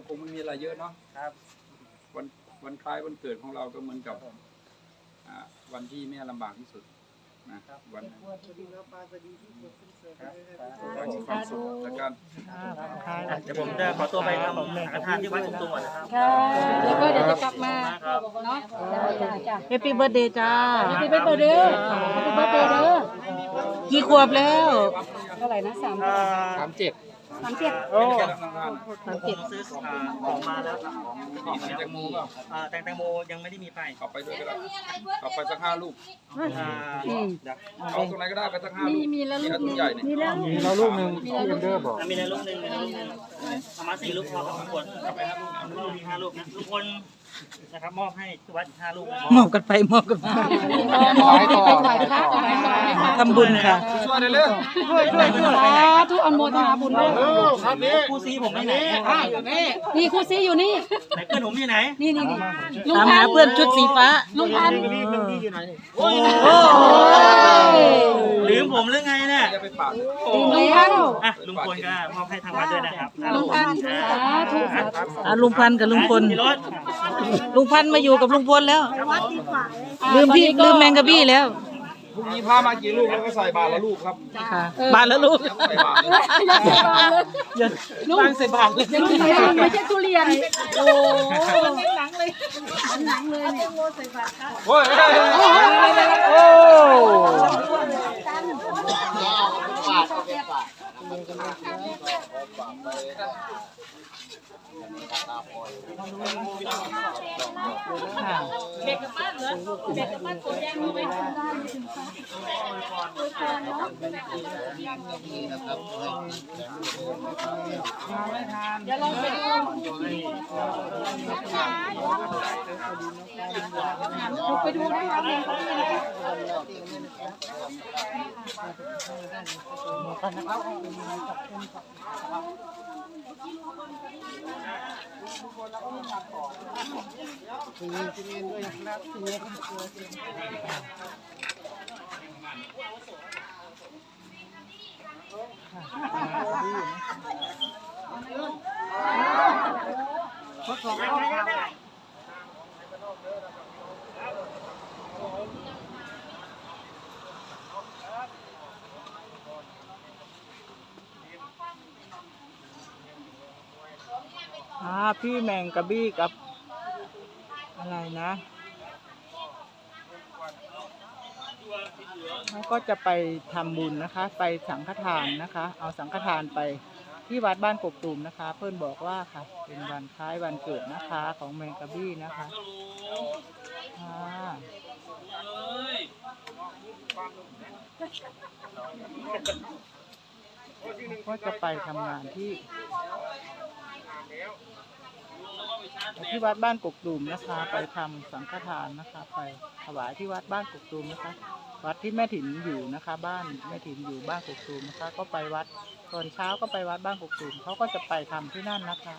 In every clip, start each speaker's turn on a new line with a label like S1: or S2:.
S1: คงไม่มีอะไรเยอะเนาะ
S2: ครับ
S1: วันคล้ายวันเกิดของเราก็เหมือนกับวันที่แม่ลำบากที่สุดนะวันนั้นขอให้มีความสุขแล้วกัน
S2: เดี๋ยวผมจะขอตัวไปทำสังฆทานที่วัดกุมตัวก่อนนะครับ
S3: ค่ะแล้วก็เดี๋ยวจะกลับมาเนาะจ้า
S4: แฮปปี้เบิร์ดเดย์จ้า
S3: พี่เป็นเบอร์เด้อพี่เป็นเบอร์เด้อ
S4: กี่ขวบแล้ว
S3: เท่าไหร่นะ37
S4: โอ้
S2: ผมซื้อของมาแล้วครับ
S1: ของแตงโมเปล่า
S2: แตงโมยังไม่ได้มีไป
S1: เอาไปด้วยก็ได้เอาไปสัก5 ลูก เอาตรงไหนก็ได้ไปสัก5 ลูก
S3: มีแล้วลูก
S1: ถุงใหญ่เนี่ย
S3: มีแล้ว
S5: มีเราลูกหนึ่งพี่เอ็นเดอร์บอก
S2: มีอะไรลูกหนึ่งประมาณ4 ลูกพอครับทุกคนไป5 ลูกมี5 ลูกนะทุกคนนะครับมอบให้ที่วัด5 ลูก
S4: มอบกันไปมอบกันมา
S3: ไปไหว้พระนะคะ
S4: ทำบุญค่ะ
S1: ช่วยหน่อยเร็ว
S3: สาธุอนุโมทนาบุญด้วย
S2: คู่ซีผมไปไหน
S3: นี่ครูซีอยู่นี่
S2: ไหนเพื่อนผมอยู่ไหน
S3: นี่ลุง
S4: ตาม
S3: พั
S4: หาน เพื่อนชุดสีฟ้า
S3: ลุงพัน
S2: โอ้ย ลืมผมหรือไงเนี่ย
S1: อย่าไปปาด
S3: ลุงพัน
S2: อ่ะลุงพลก็มอบให้ทางวัดด้วยนะครับ
S3: ลุงพันสาธุสาธุ
S4: ลุงพันธุ์กับลุงพล
S2: พี่รถ
S4: ลุงพันธุ์มาอยู่กับลุงพลแล้ว ลืมพี่ลืมแมงกะบี้แล้ว
S1: พรุ่งนี้พามากี่ลูกแล้วก็ใส่บาตรละลูกครับ
S4: ค่ะบานแล้วลูก
S1: ใส่บาตรเลย
S3: ลุงใส่บาตรเลยลุงใส่บาตรไม่ใช่ทุเรียนโอ้หนังเลยเนี่ย
S1: โอ้ย
S4: โอ้ ค่ะ
S3: เด็กกับบ้านเหรอเด็กกับบ้านตัวแดงรู้ไหมอย่าลองไปดูไปดูนะคะเนี่ยเขามีนะคะ
S4: พี่แมงกะบี้กับอะไรนะเขาก็จะไปทำบุญนะคะ ไปสังฆทานนะคะ เอาสังฆทานไปที่วัดบ้านกกตูมนะคะ เพื่อนบอกว่าค่ะ เป็นวันคล้ายวันเกิดนะคะของแมงกะบี้นะคะก็จะไปทำงานที่วัดบ้านกกตูมนะคะ ไปทำสังฆทานนะคะ ไปถวายที่วัดบ้านกกตูมนะคะ วัดที่แม่ถิ่นอยู่นะคะ บ้านแม่ถิ่นอยู่บ้านกกตูมนะคะ ก็ไปวัดตอนเช้าก็ไปวัดบ้านกกตูมเขาก็จะไปทำที่นั่นนะคะ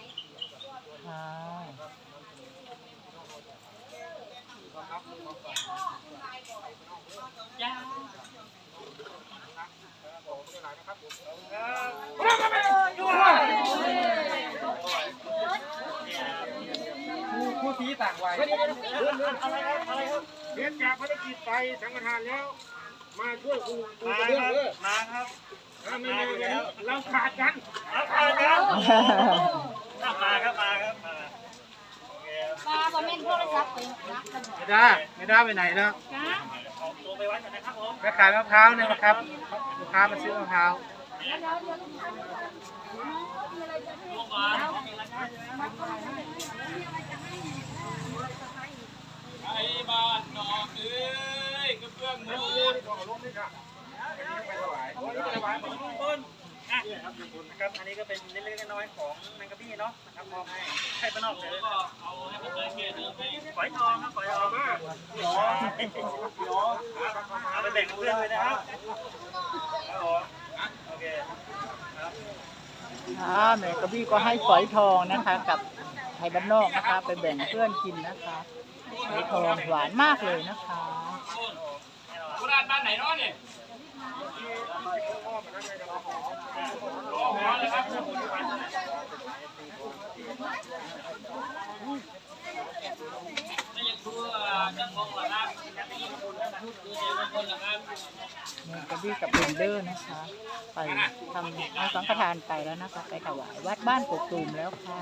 S1: ผู้ชี้ต่างวัย
S5: เรียนจากภารกิจไปสังฆทานแล้ว มาช่วยครูกระเบื้องเด้อ
S2: มาครับ
S5: ไม่มาแล้วเราขาดกัน
S2: มาครับมาครับมาครับ
S3: ปลาบะเม่นโทรศัพท์ไปรักกัน
S5: ไม่ได้ไปไหนแล้ว
S2: ออกตัวไปวัดกันนะครับผม
S5: ไปขายมะพร้าวเนี่ยนะครับลูกค้ามาซื้อมะพร้าว
S1: ไอ้บ้านนอกเอ้ยกระเบื้องมูน
S2: ต้นนะครับอันนี้ก็เป็นเล็กๆน้อยๆของแมงกะบี้เนาะนะครับมอบให้ป้านอกเลยฝอยทองครับฝอยทองเอาไปแบ่งเพื่อนเลยนะครับโอเค
S4: แมงกะบี้ก็ให้ฝอยทองนะคะ กับไทยบ้านนอกนะคะ ไปแบ่งเพื่อนกินนะคะฝอยทองหวานมากเลยนะคะ
S1: โบราณบ้านไหนเนาะเนี่ย
S2: ม
S4: แม่กระบี้กับเบนเดอร์นะคะ ไปทำเอาสังฆทานไปแล้วนะคะ ไปถวายวัดบ้านกกตูมแล้วค่ะ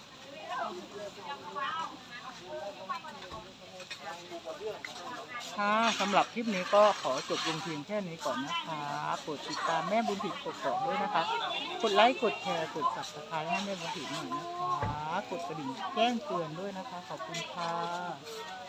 S4: ค่ะสำหรับคลิปนี้ก็ขอจบลงเพียงแค่นี้ก่อนนะคะโปรดติดตามแม่บุญถิ่นกกอกด้วยนะคะกดไลค์กดแชร์กด Subscribe ให้แม่บุญถิ่นหน่อยนะคะกดกระดิ่งแจ้งเตือนด้วยนะคะขอบคุณค่ะ